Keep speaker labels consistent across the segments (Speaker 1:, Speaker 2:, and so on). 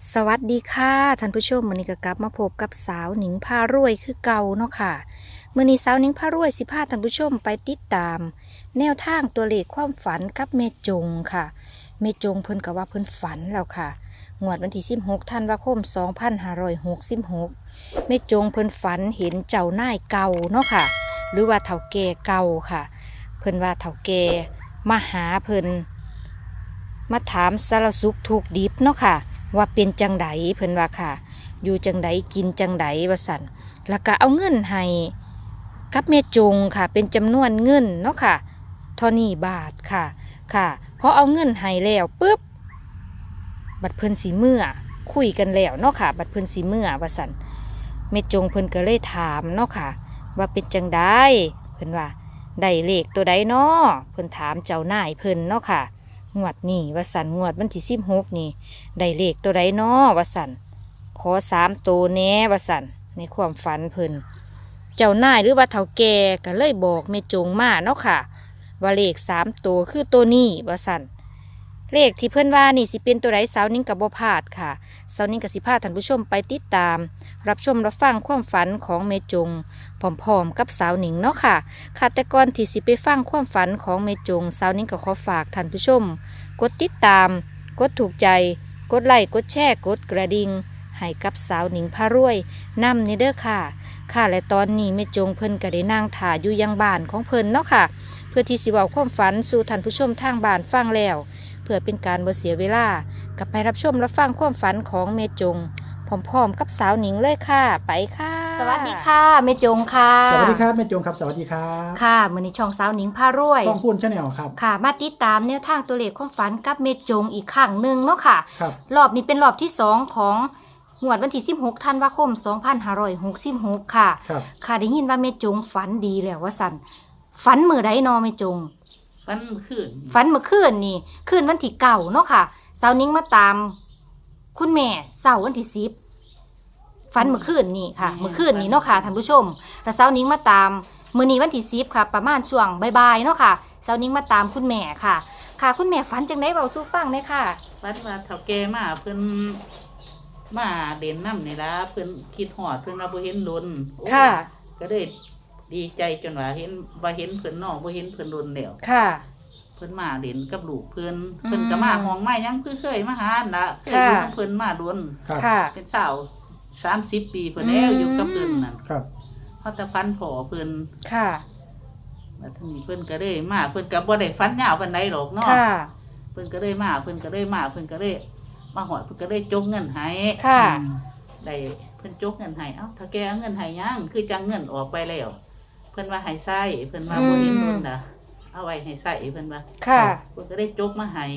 Speaker 1: สวัสดีค่ะท่านผู้ชมมื้อนี้ก็กลับมาพบกับสาวหนิงพารวยคือเก่าเนาะค่ะมื้อนี้สาวหนิงพารวยสิพาท่านผู้ชมไปติดตาม แนวทางตัวเลขความฝันกับแม่จงค่ะแม่จงเพิ่นก็ว่าเพิ่นฝันแล้วค่ะงวดวันที่16ธันวาคม2566แม่จงเพิ่นฝันเห็นเจ้านายเก่าเนาะค่ะหรือว่าเฒ่าแก่เก่าค่ะเพิ่นว่าเฒ่าแก่มาหาเพิ่นมาถามสารสุขทุกข์ดิบเนาะค่ะว่าเป็นจังไดเพิ่นว่าค่ะอยู่จังไดกินจังไดว่าสั่นแล้วก็เอาเงินให้กับแม่จงค่ะเป็นจำนวนเงินเนาะค่ะเท่านี้บาทค่ะค่ะพอเอาเงินให้แล้วปุ๊บบัดเพิ่นสีเมื่อคุยกันแล้วเนาะค่ะบัดเพิ่นสีเมื่อว่าสั่นแม่จงเพิ่นก็เลยถามเนาะค่ะว่าเป็นจังไดเพิ่นว่าได้เลขตัวใดเนาะเพิ่นถามเจ้านายเพิ่นเนาะค่ะงวดนี้ว่าสั่นงวดวันที่16นี่ได้เลขตัวใดเนาะว่าสั่นขอ3ตัวแหน่ว่าสั่นในความฝันเพิ่นเจ้านายหรือว่าเฒ่าแก่ก็เลยบอกแม่จงมาเนาะค่ะว่าเลข3ตัวคือตัวนี้ว่าสั่นเลขที่เพิ่นว่านี่สิเป็นตัวใดสาวนิ้งกับบ่พลาดค่ะสาวนิ้งกับสิพาท่านผู้ชมไปติดตามรับชมรับฟังความฝันของแม่จงพร้อมๆกับสาวนิ้งเนาะค่ะค่ะแต่ก่อนที่สิไปฟังความฝันของแม่จงสาวนิ้งก็ขอฝากท่านผู้ชมกดติดตามกดถูกใจกดไลค์กดแชร์กดกระดิ่งให้กับสาวหนิงพารวยนำนี่เด้อค่ะค่ะและตอนนี้แม่จงเพิ่นก็ได้นั่งถ่ายอยู่ยังบ้านของเพิ่นเนาะค่ะเพื่อที่สิเว้าความฝันสู่ท่านผู้ชมทางบ้านฟังแล้วเพื่อเป็นการบ่เสียเวลากลับไปรับชมรับฟังความฝันของแม่จงพร้อมๆกับสาวหนิงเลยค่ะไปค่ะสวัสดีค่ะแม่จงค่ะ
Speaker 2: สวัสดีครับแม่จงครับสวัสดีครับ
Speaker 1: ค่ะมื้อนี้ช่องสาวหนิงพารวย
Speaker 2: ต้องพูดชาแนลครับ
Speaker 1: ค่ะมาติดตามแนวทางตัวเลขความฝันกับแม่จงอีกครั้งหนึ่งเนาะค่ะ
Speaker 2: ครับ
Speaker 1: รอบนี้เป็นรอบที่2ของงวดวันที่16ธันวาคม2566ค่ะ
Speaker 2: ครับ
Speaker 1: ค่ะได้ยินว่าแม่จงฝันดีแล้วว่าสั่นฝันมื้อใดเนาะแม่จง
Speaker 3: ฟันขึ้น
Speaker 1: ฝันเมื่อคืนนี่คืนวันที่9เนาะค่ะสาวนิ้งมาตาม คุณแม่เสาร์วันที่10ฝันเมื่อคืนนี่ค่ะเมื่อคืนนี่เนาะค่ะท่านผู้ชมแล้วสาวนิ้งมาตามมื้อนี้วันที่10ค่ะประมาณช่วงบ่ายๆเนาะค่ะสาวนิ้งมาตามคุณแม่ค่ะ ค่ะคุณแม่ฝันจังได๋เว้าสู่ฟังได้ค่ะ
Speaker 3: ฟันว่าเฒ่าแก่มาเพิ่นมาเด่นน้ำนี่ล่ะเพิ่นคิดฮอดเพิ่นว่าบ่เห็นลุน
Speaker 1: ค่ะ
Speaker 3: ก็เลยดีใจจนว่าเห็นเพิ่นน้องบ่เห็นเพิ่นลุนแล้ว
Speaker 1: ค่ะ
Speaker 3: เพิ่นมาเด่นกับลูกเพิ่น
Speaker 1: อืม
Speaker 3: เพิ่นก็มาห้องไม้ยังคือเคยมาหาหั่นล่ะเคยอยู่
Speaker 1: ค่ะ
Speaker 3: กับเพิ่นมาลุน
Speaker 2: ครับ
Speaker 1: ค่ะ
Speaker 3: เป็นสาว30 ปีเพิ่นแล้วอยู่กับเพิ่นนั่น
Speaker 2: ครับ
Speaker 3: เพราะแต่ฟันผอเพิ่น
Speaker 1: ค่ะ
Speaker 3: แล้วทีนี้เพิ่นก็เลยมาเพิ่นก็บ่ได้ฟันยาวปานใดหรอกเนาะ
Speaker 1: ค่ะ
Speaker 3: เพิ่นก็เลยมาเพิ่นก็เลยมาเพิ่นก็เลยมาหอดเพิ่นก็เลยจกเงินให้
Speaker 1: ค่ะ
Speaker 3: ได้เพิ่นจกเงินให้เอ้าถ้าแกเอาเงินให้ยังคือจังเงินออกไปแล้วเพิ่นว่าให้ใส่เพิ่นว่าบ่เห็นรุ่นน่ะเอาไว้ให้ใส่เพิ่นว่า
Speaker 1: ค่ะ
Speaker 3: เพิ่นก็ได้จกมาให้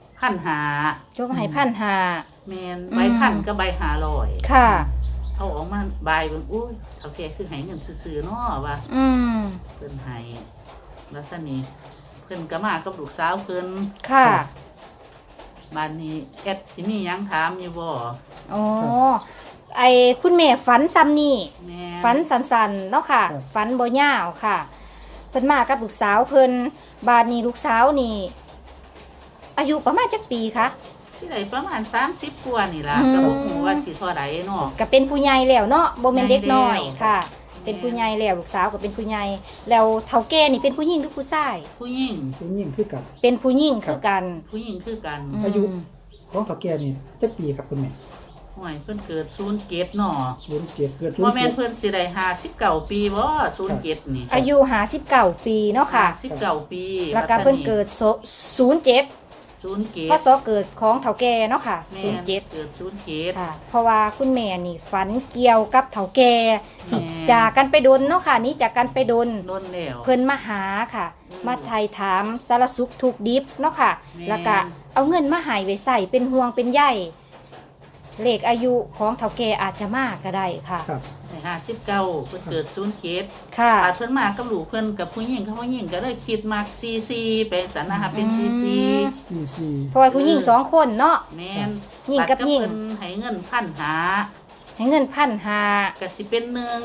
Speaker 3: 1,500
Speaker 1: จกให้1,500
Speaker 3: แม่นใบพันกับใบ500
Speaker 1: ค่ะ
Speaker 3: เอาออกมาใบเบิ่งอุ้ยเฒ่าแกคือให้เงินซื่อๆเนาะว่า
Speaker 1: อืม
Speaker 3: เพิ่นให้แล้วซั่นนี่เพิ่นก็มากับลูกสาวเพิ่น
Speaker 1: ค่ะ
Speaker 3: บ้านนี้แอดสิมีหยังถามอยู่บ่
Speaker 1: อ๋อ ไอ้คุณแม่ฝันซ้ำนี่
Speaker 3: แม่
Speaker 1: ฝันสันๆเนาะค่ะ
Speaker 2: ครับ
Speaker 1: ฝันบ่ยาวค่ะเพิ่นมากับลูกสาวเพิ่นบาดนี้ลูกสาวนี่ อายุประมาณจักปีคะ
Speaker 3: ที่ไหนประมาณ30กว่านี่ล่ะ
Speaker 1: อืม
Speaker 3: ก็บ่ฮู้ว่าสิเท่าใดเนาะ
Speaker 1: ก็เป็นผู้ใหญ่แล้วเนาะบ่แม่นเด็กน้อย
Speaker 3: ใหญ่แล้ว
Speaker 1: ค่ะ เป็นผู้ใหญ่แล้วลูกสาวก็เป็นผู้ใหญ่แล้วเฒ่าแก่นี่เป็นผู้หญิงหรือผู้ชาย
Speaker 3: ผู้หญิง
Speaker 2: ผู้ยิ่งคือกับ
Speaker 1: เป็นผู้หญิงคือกัน
Speaker 3: ผู้หญิงคือกัน
Speaker 1: ม
Speaker 2: อายุ ของเฒ่าแก่นี่จักปีครับคุณแม่
Speaker 3: ห่วยเพิ่นเกิด07เนาะ
Speaker 2: 07เกิด
Speaker 3: บ่แม่น
Speaker 2: 07
Speaker 3: เพิ่นสิได้59ปีบ่07นี่
Speaker 1: อายุ59ปีเนาะค่ะ
Speaker 3: 59ปี
Speaker 1: แล้วก็เพิ่นเกิด07
Speaker 3: 07
Speaker 1: พศเกิดของเฒ่าแก่เนาะค่ะ
Speaker 3: แม่น
Speaker 1: 07
Speaker 3: เกิด07
Speaker 1: ค่ะ เพราะว่าคุณแม่นี่ฝันเกี่ยวกับเฒ่าแก่ที่
Speaker 3: แม่
Speaker 1: จากกันไปดนเนาะค่ะหนี่จากกันไปดน
Speaker 3: โดนแล้ว
Speaker 1: เพิ่นมาหาค่ะ
Speaker 3: อืม
Speaker 1: มาไทยถามสารสุขทุกข์ดิบเนาะค่ะ
Speaker 3: แม่
Speaker 1: แล้วก็เอาเงินมาใหายไว้ใส่เป็นห่วงเป็นใยเลขอายุของเฒ่าแก่อาจจะมากก็ได้ค่ะ
Speaker 2: ครับ
Speaker 3: ได้59เพิ่นเกิด07
Speaker 1: ค่ะ
Speaker 3: อาจเพิ่นมากับลูกเพิ่นกับผู้หญิงกับผู้หญิงก็เลยคิดมัก44เป็นสันนะคะเป็น
Speaker 1: อืม
Speaker 3: 44
Speaker 2: 44
Speaker 1: เพราะว่าผู้หญิง2คนเนาะ
Speaker 3: แม่น
Speaker 1: หญิงกับหญิง
Speaker 3: เพิ่นให้เงิน1,500
Speaker 1: ให้เงิน1,500
Speaker 3: ก็สิเป็น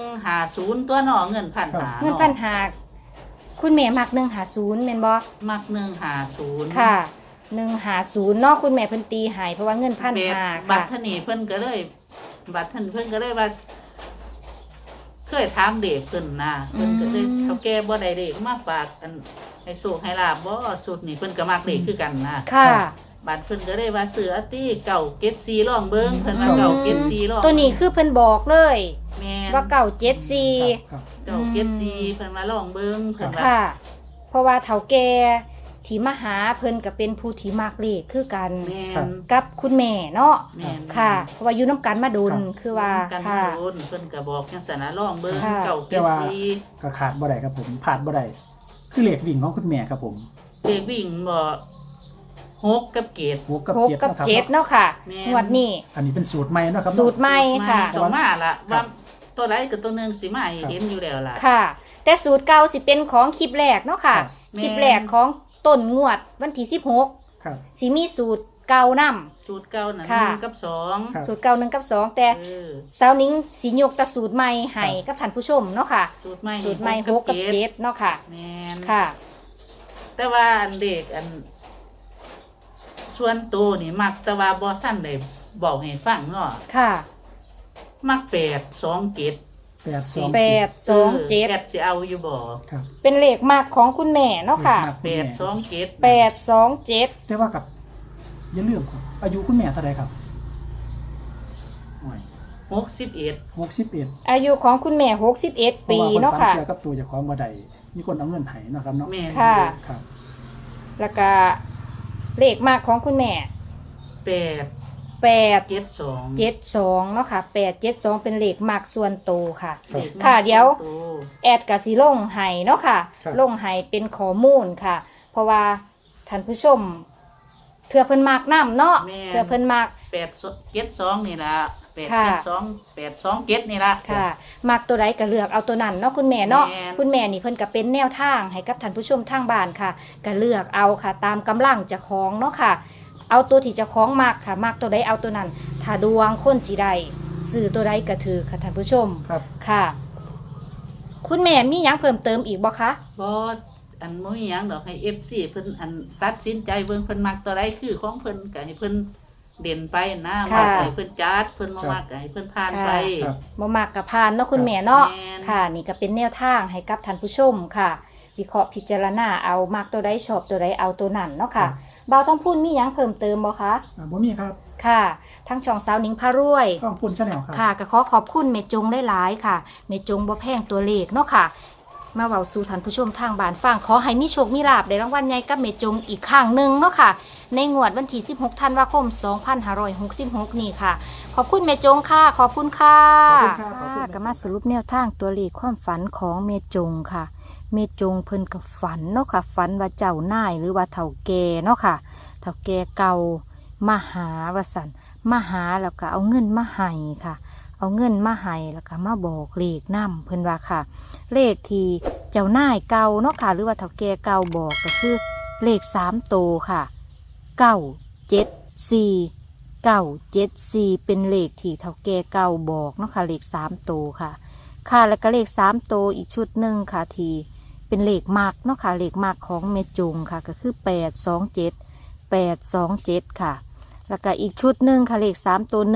Speaker 3: 150ตัวเนาะเงิน1,500
Speaker 1: เงิน1,500คุณแม่มัก150แม่นบ่
Speaker 3: มัก150
Speaker 1: ค่ะ 150เนาะคุณแม่เพิ่นตีใหายเพราะว่าเงิน1,500
Speaker 3: บั
Speaker 1: ค่ะ
Speaker 3: ตรท่านนี่เพิ่นก็เลยบัตรท่านเพิ่นก็เลยว่าเคยถามเด็กเพิ่นนะเพิ่นก็เลยเขาแก้บ่ได้เด็กมาฝากอันให้โชคให้ลาบบ่สุดนี่เพิ่นก็มักเด็กคือกันนะ
Speaker 1: ค่ะ
Speaker 3: บัตรเพิ่นก็เลยว่าเสือตี้เก่าเก็บซีร่องเบิ่งเพิ่นว่าเก่าเก็บซีร่อง
Speaker 1: ตัวนี้คือเพิ่นบอกเลย
Speaker 3: แม่น
Speaker 1: ว่าเก่า
Speaker 2: ครับครับ
Speaker 3: เก่าเก็บซีเพิ่นว่าร่องเบิ่งเพิ่นว่า
Speaker 1: ค่ะ เพราะว่าเฒ่าแก่ที่มาหาเพิ่นก็เป็นผู้ที่มักเลขคือกัน
Speaker 3: แม่
Speaker 2: ครับ
Speaker 3: น
Speaker 1: กับคุณแม่เนาะ
Speaker 3: แม่น
Speaker 1: ค่ะ เพราะว่าอยู่น้ำกันมาดุล
Speaker 2: ครับ
Speaker 1: คือว่า
Speaker 3: กัน
Speaker 1: ค่ะ
Speaker 3: โดนเพิ่นก็บอกจังซั่นนะร่องเบิ่ง
Speaker 1: ค่ะ
Speaker 3: เก่า
Speaker 2: แต่
Speaker 3: เก็บ
Speaker 2: ว่า
Speaker 3: ซี
Speaker 2: ก็ขาดบ่ได้ครับผมผ่านบ่ได้คือเลขวิ่งของคุณแม่ครับผม
Speaker 3: เด็กวิ่งบ่หกกับเกต
Speaker 2: 6กับ
Speaker 1: หก
Speaker 2: 7
Speaker 1: กับ
Speaker 2: นะครับ
Speaker 1: เจ็ดเนาะค่ะ
Speaker 3: แม่น
Speaker 1: งวดนี้
Speaker 2: อันนี้เป็นสูตรใหม่เนาะครับ
Speaker 1: สูตรใหม่ค่ะ
Speaker 3: ต้องมาละ
Speaker 2: ครั
Speaker 3: ว่า
Speaker 2: บ
Speaker 3: ตัวไรกับตัวหนึงสิมาให้เห็นอยู่แล้วล่ะ
Speaker 1: ค่ะ แต่สูตรเก่าสิเป็นของคลิปแรกเนาะค่ะ
Speaker 2: ครับ
Speaker 1: คลิปแรกของต้นงวดวันที่16
Speaker 2: ครับ
Speaker 1: สิมีสูตรเก่านํ
Speaker 3: สูตรเก่านั่น
Speaker 1: ค่ะ
Speaker 3: 1กับ2
Speaker 2: ครับ
Speaker 1: สูตรเก่า1กับ2แต่
Speaker 3: เออ
Speaker 1: สาวนิ้งสิยกแตะสูตรใหม่ให้กับท่านผู้ชมเนาะค่ะ
Speaker 3: สูตรใหม่
Speaker 1: สูตรใหม่6กับ7เนาะค่ะ
Speaker 3: แม่น
Speaker 1: ค่ะ
Speaker 3: แต่ว่าอันเด็กอัน ส่วนตัวนี่มักแต่ว่าบ่ทันได้บอกให้ฟังเนาะ
Speaker 1: ค่ะ
Speaker 3: มัก8 2 7
Speaker 2: 8 2
Speaker 1: 8 2 7
Speaker 3: แกสิเอาอยู่บ่
Speaker 2: ครับ
Speaker 1: เป็นเลขมากของคุณแม่เนาะค่ะ
Speaker 2: เลขมาก
Speaker 3: 8 2 7
Speaker 1: 8 2 7
Speaker 2: แต่ว่ากับอย่าลืมครับอายุคุณแม่เท่าไหร่ครับ
Speaker 3: 61
Speaker 2: 61
Speaker 1: อายุของคุณแม่61 ปีเนาะค่ะ
Speaker 2: เกี่ยวกับตัวเจ้าของบ่ได้มีคนเอาเงินให้เนาะครับเนาะ
Speaker 3: แม่น
Speaker 1: ค่ะ
Speaker 2: ครับ
Speaker 1: แล้วก็เลขมากของคุณแม่
Speaker 3: 8
Speaker 1: 8
Speaker 3: 72
Speaker 1: 72เนาะค่ะ8 72เป็นเลขมากส่วนโตวค่ะ
Speaker 3: เด็ก
Speaker 1: ค่ะเดี๋ยว
Speaker 3: ตัว
Speaker 1: แอดกะสิลงให้เนาะค่ะ
Speaker 2: ครับ
Speaker 1: ลงให้เป็นข้อมูลค่ะ เพราะว่าท่านผู้ชมเทื่อเพิ่นมากน้ำเนาะเทื่อเพิ่นมาก
Speaker 3: 8 7 2นี่ล่ะ8
Speaker 1: ค่ะ
Speaker 3: 7 2 8 2 7นี่ล่ะ
Speaker 1: ค่ะมักตัวใดก็เลือกเอาตัวนั้นเนาะคุณแม่เนาะ
Speaker 3: แม่น
Speaker 1: คุณแม่นี่เพิ่นก็เป็นแนวทางให้กับท่านผู้ชมทางบ้านค่ะก็เลือกเอาค่ะ ตามกำลังเจะคล้าของเนาะค่ะ เอาตัวที่เจะคล้าของมักค่ะมักตัวใดเอาตัวนั้น ถ้าดวงคนสีใดซื้อตัวใดก็ถือค่ะท่านผู้ชม
Speaker 2: ครับ
Speaker 1: ค่ะ คุณแม่มีหยังเพิ่มเติมอีกบ่คะ
Speaker 3: บ่อันบ่มีหยังดอกให้ FC เพิ่นอันตัดสินใจเบิ่งเพิ่นมักตัวใดคือของเพิ่นก็ให้เพิ่นเด่นไปนะมักให้เพิ่นจัดเพิ่นบ่มักก็ให้เพิ่นผ่านไป
Speaker 2: ครับ
Speaker 1: บ่มักกับพานเนาะคุณแม่เนาะ
Speaker 3: แม่น
Speaker 1: ค่ะ นี่ก็เป็นแนวทางให้กับท่านผู้ชมค่ะ วิเคราะห์พิจารณาเอามักตัวใดชอบตัวใดเอาตัวนั้นเนาะค่ะบ่าวต้องพูดมีหยังเพิ่มเติมบ่คะ
Speaker 2: บ่มีครับ
Speaker 1: ค่ะ ทั้งช่องสาวหนิงพารวย
Speaker 2: ต้องพูนชาแนลครับ
Speaker 1: ค่ะก็ขอขอบคุณเมจงได้หลายๆค่ะเมจงบ่แพงตัวเลขเนาะค่ะ มาเว้าสู่ท่านผู้ชมทางบ้านฟังขอให้มีโชคมีลาภได้รางวัลใหญ่กับเมจงอีกครั้งหนึ่งเนาะค่ะ ในงวดวันที่16ธันวาคม2566นี่ค่ะ ขอบคุณเมจงค่ะ ขอบคุณค่ะ
Speaker 2: ขอบคุณครับขอบคุณครับ
Speaker 1: ก็มาสรุปแนวทางตัวเลขความฝันของเมจงค่ะ เมจงเพิ่นกับฝันเนาะค่ะฝันว่าเจ้านายหรือว่าเฒ่าแก่เนาะค่ะเฒ่าแก่เก่ามาหาว่าซั่นมาหาแล้วก็เอาเงินมาให้ค่ะ เอาเงินมาให้แล้วก็มาบอกเลขนำเพิ่นว่าค่ะ เลขที่เจ้านายเก่าเนาะค่ะ หรือว่าเฒ่าแก่เก่าบอกก็คือเลข3ตัวค่ะ974 974เป็นเลขที่เฒ่าแก่เก่าบอกเนาะค่ะเลข3ตัวค่ะ ค่ะแล้วก็เลข3ตัวอีกชุดหนึ่งค่ะที่เป็นเลขมากเนาะค่ะเลขมากของเมจงค่ะก็คือ827ค่ะ แล้วก็อีกชุดหนึ่งค่ะเลข3ตัว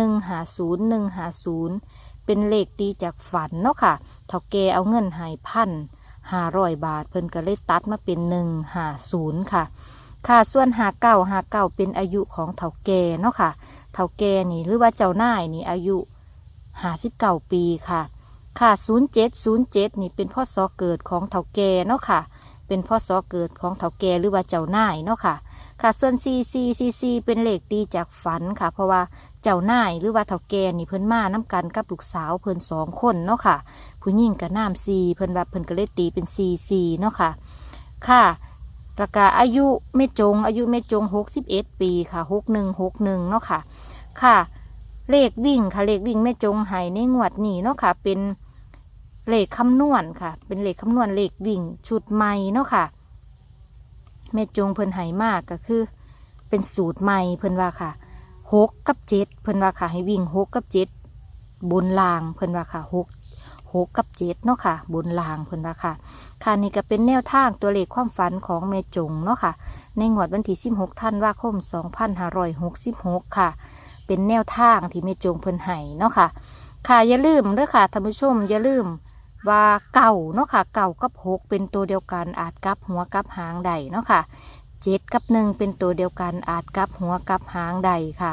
Speaker 1: 150เป็นเลขตีจากฝันเนาะค่ะเฒ่าแก่เอาเงินให้1,500 บาทเพิ่นก็เลยตัดมาเป็น150ค่ะ ค่ะส่วน59เป็นอายุของเฒ่าแก่เนาะค่ะเฒ่าแก่นี่หรือว่าเจ้านายนี่อายุ59 ปีค่ะ ค่ะ07นี่เป็นพ่อซอเกิดของเฒ่าแก่เนาะค่ะ เป็นพ่อซอเกิดของเฒ่าแก่หรือว่าเจ้านายเนาะค่ะ ค่ะส่วน44เป็นเลขตีจากฝันค่ะ เพราะว่าเจ้านายหรือว่าเฒ่าแก่นี่เพิ่นมาน้กันกับลูกสาวเพิ่น2 คนเนาะค่ะ ผู้หญิงกับน้ำ4เพิ่นว่าเพิ่นก็เลยตีเป็น44เนาะค่ะ ค่ะแล้วก็อายุแม่จง61 ปีค่ะ6161เนาะค่ะ ค่ะเลขวิ่งค่ะเลขวิ่งแม่จงให้ในงวดนี้เนาะค่ะ เป็นเลขคำนวณค่ะ เป็นเลขคำนวณเลขวิ่งชุดใหม่เนาะค่ะแม่จงเพิ่นให้มากก็คือ เป็นสูตรใหม่เพิ่นว่าค่ะ6 กับ 7เพิ่นว่าค่ะให้วิ่ง6 กับ 7บนล่างเพิ่นว่าค่ะ6 6กับ7เนาะค่ะบนล่างเพิ่นว่าค่ะค่ะนี่ก็เป็นแนวทางตัวเลขความฝันของแม่จงเนาะค่ะในงวดวันที่16ธันวาคม2566ค่ะเป็นแนวทางที่แม่จงเพิ่นให้เนาะค่ะค่ะอย่าลืมเด้อค่ะท่านผู้ชมอย่าลืมว่าเก่าเนาะค่ะเก่ากับ6เป็นตัวเดียวกันอาจกลับหัวกลับหางใดเนาะค่ะ7กับ1เป็นตัวเดียวกันอาจกลับหัวกลับหางใดค่ะ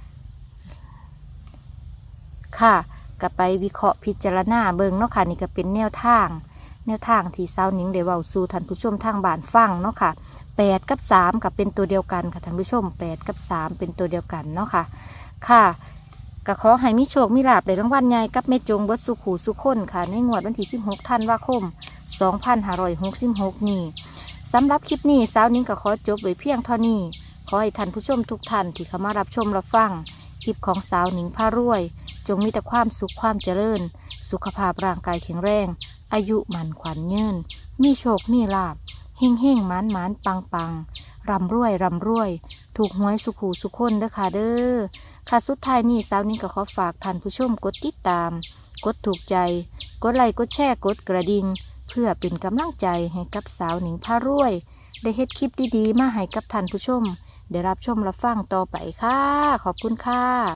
Speaker 1: ค่ะก็ไปวิเคราะห์พิจารณาเบิ่งเนาะค่ะนี่ก็เป็นแนวทางที่สาวหนิงได้เว้าสู่ท่านผู้ชมทางบ้านฟังเนาะค่ะ8กับ3ก็เป็นตัวเดียวกันค่ะท่านผู้ชม8กับ3เป็นตัวเดียวกันเนาะค่ะค่ะก็ขอให้มีโชคมีลาภได้รางวัลใหญ่กับแม่จงเบิดสุขหูสุขคนค่ะในงวดวันที่16ธันวาคม2566นี้สำหรับคลิปนี้สาวหนิงก็ขอจบไว้เพียงเท่านี้ขอให้ท่านผู้ชมทุกท่านที่เข้ามารับชมรับฟังคลิปของสาวหนิงพารวยจงมีแต่ความสุขความเจริญสุขภาพร่างกายแข็งแรงอายุมันขวัญยืนมีโชคมีลาภเฮ่งเฮ่งหมานหมานปังปังร่ำรวยถูกหวยสุขหูสุขคนเด้อค่ะเด้อค่ะสุดท้ายนี้สาวหนิงก็ขอฝากท่านผู้ชมกดติดตามกดถูกใจกดไลค์กดแชร์กดกระดิ่งเพื่อเป็นกำลังใจให้กับสาวหนิงพารวยได้เฮ็ดคลิปดีๆมาให้กับท่านผู้ชมได้รับชมรับฟังต่อไปค่ะขอบคุณค่ะ